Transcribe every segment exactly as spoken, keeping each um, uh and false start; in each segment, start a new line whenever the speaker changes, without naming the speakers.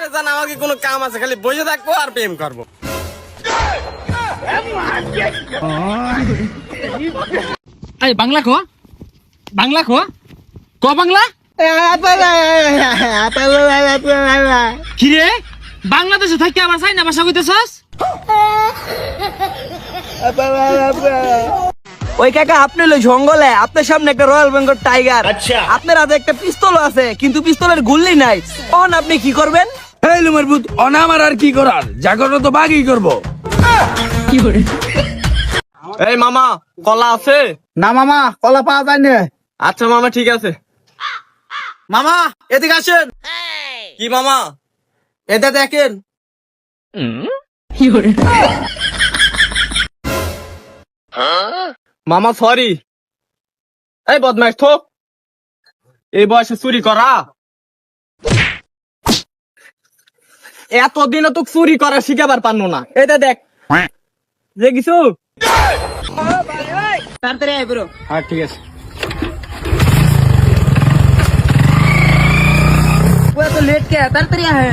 আরে জান আমাকে কোনো কাম আছে, খালি বসে থাকবো আর প্রেম করবো।
এই বাংলা কো, বাংলা কো, ক বাংলা। কি রে, বাংলাদেশে থাকি আবার চাইনা ভাষা কইতেছস?
ওই কাকা আপনি হলো জঙ্গলে, আপনার সামনে একটা রয়্যাল বেঙ্গল টাইগার, আপনার হাতে একটা পিস্তল আছে কিন্তু পিস্তলের গুলি নাই, তখন আপনি কি করবেন?
এই লুমের ভূত, অনামার আর কি করার, জাগরণ তো বাঘই করবো।
কি করে?
এই মামা কলা আছে?
না মামা, কলা পাওয়া যায় না।
আচ্ছা মামা ঠিক আছে।
মামা এদিকে আসেন।
কি মামা?
এটা দেখেন।
কি করে?
মামা সরি। এই বদমাইশ থো, এই বয়সে চুরি করা? এতদিনও তো চুরি করা শিখাবার পারনো না। এটা দেখ যে কিছু।
তাড়াতাড়ি আয় ব্রো।
হ্যাঁ ঠিক আছে।
ও এত লেট কে? তাড়াতাড়ি আয়।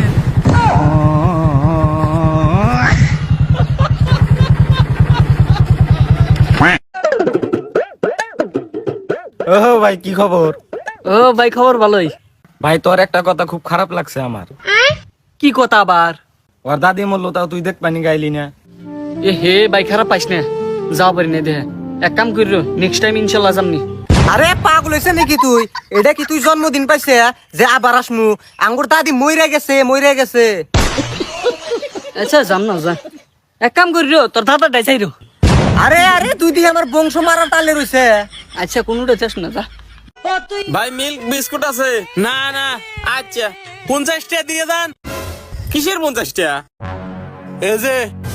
ও ভাই কি খবর?
ও ভাই খবর ভালোই।
ভাই তোর একটা কথা খুব খারাপ লাগছে আমার।
কি কথা আবার?
ওর দাদি মরলো, তাও তুই দেখ পানি গাইলি না।
এ হে ভাই খারাপ পাইস না, যাও পারি না দেহে। এক কাম করিও, নেক্সট টাইম ইনশাল্লাহ যামনি।
আরে পাগল হইছে নাকি তুই? এটা কি তুই জন্মদিন পাইছে যে আবার আসমু? আঙ্গুর দাদি মইরা গেছে, মইরা গেছে।
আচ্ছা যাম না, যা। এক কাম করিও, তোর দাদা ডাইছাইরো।
আরে আরে তুই দিয়ে আমার বংশ মারা টালে রইছে।
আচ্ছা কোনটা চাস না, যা।
ভাই মিল্ক বিস্কুট আছে? না না। আচ্ছা পঞ্চাশ টাকা দিয়ে দেন। কিসের পঞ্চাশ টাকা? এই যে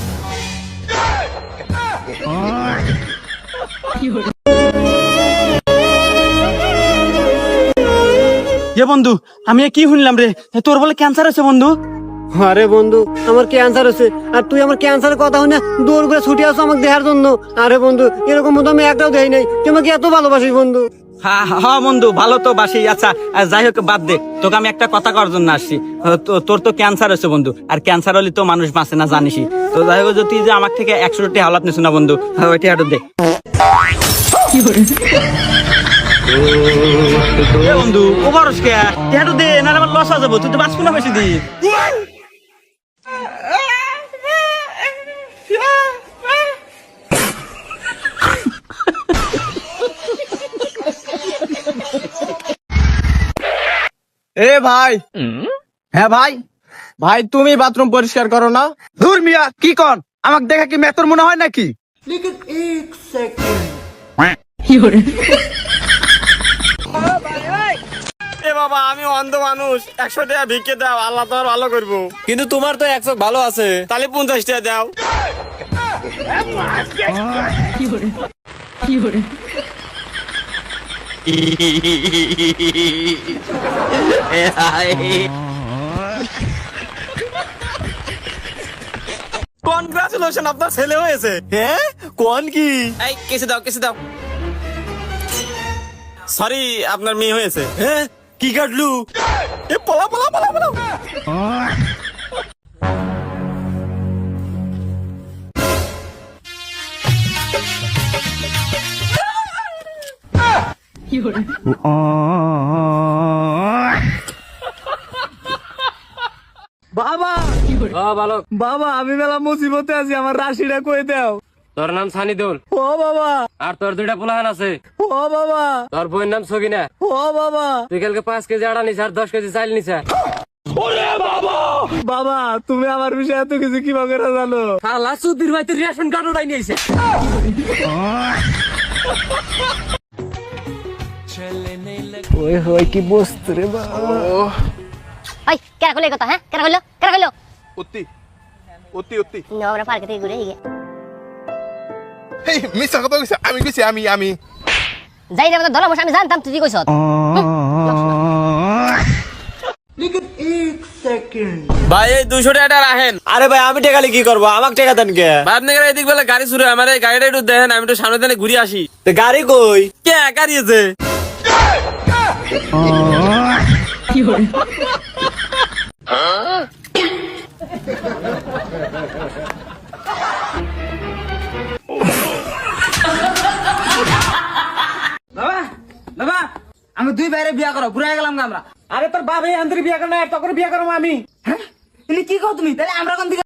এ বন্ধু, আমি কি শুনলাম রে, তোর বলে ক্যান্সার আছে বন্ধু?
আরে বন্ধু, আমার ক্যান্সার আছে আর তুই আমার ক্যান্সারের কথা শুনে দৌড় করে ছুটে আসো আমাকে দেখার জন্য। আরে বন্ধু, এরকম মতো আমি একটাও দেই নাই। তুই আমাকে এত ভালোবাসিস বন্ধু।
হ্যাঁ হ্যাঁ বন্ধু, ভালো তো বাসি। আচ্ছা যাই হোক বাদ দে, তোকে আমি একটা কথা করার জন্য আসছি। তো- তোর তো ক্যান্সার আছে বন্ধু, আর ক্যান্সার হলে তো মানুষ বাঁচে না জানিসই। তো যাই হোক, তুই যে আমার থেকে একশো টি হাওলাত নিস না বন্ধু, ওইটি হাঁটু দে। এ বন্ধু ও বরস কে হাঁটু দে, না আমার লস হয়ে যাবো। তুই তো বাঁচবো না বেশি দিন।
এ ভাই।
হ্যাঁ ভাই।
ভাই তুমি বাথরুম পরিষ্কার করো না?
ধুর মিয়া, কি কন? আমাকে দেখা কি মেতর মনে হয় নাকি?
এ বাবা, আমি অন্ধ মানুষ, একশো টাকা ভিক্ষে দাও, আল্লাহ তোমার ভালো করবো। কিন্তু তোমার তো একশো ভালো আছে, তাহলে পঞ্চাশ টাকা দাও। কনগ্রাচুলেশন, আপনার ছেলে হয়েছে। হ্যাঁ কোন কি? এই কেসে দাও, কেসে দাও। সরি, আপনার মেয়ে হয়েছে। হ্যাঁ কি কাটলু? এ পলা পলা পলা পলা।
বাবা
বালক,
বাবা, আমি মেলা মুসিবতে আছি, আমার রাশিটা কই দাও।
তোর নাম সানিদুল,
ও বাবা,
আর তোর দুইটা পোলাহান আছে।
ও বাবা,
তোর বইয়ের নাম সগিনা।
ও বাবা,
তুই কালকে পাঁচ কেজি আড়া নিস আর দশ কেজি চাইল নিস।
বাবা তুমি আমার বিষয়ে এত কিছু কিভাবে করে জানো?
শালা সুধীর ভাই তোর রেশন কার্ড উঠাই নিয়েছে।
ওই হয় কি বস্তু রে বাবা।
ওই কেরা কইলো এই কথা? হ্যাঁ কেরা কইলো? কেরা কইলো?
অতি অতি অতি
না আমরা পার্কে থেকে ঘুরে গিয়ে
এই মিছা কথা কইছে, আমি কইছি আমি আমি
যাই রে, ধরা বসে আমি জানতাম তুই কইছ।
ভাই এই দুশো টাকা রাখেন।
আরে ভাই আমি টেকালে কি করবো, আমাকে টেকা দেন কে?
আপনি এদিক বেলা গাড়ি শুরু, আমার এই গাড়িটা একটু দেখেন, আমি একটু সামনে দিনে ঘুরে আসি।
তো গাড়ি কই?
কে গাড়িয়েছে?
বাবা বাবা আমি দুই বাইরে বিয়া করো ঘুরে গেলাম আমরা। আরে তোর বাবা আন্তরিক বিয়া করে না তখন বিয়া করবো আমি। হ্যাঁ কি কও তুমি তাহলে আমরা কোন দিকে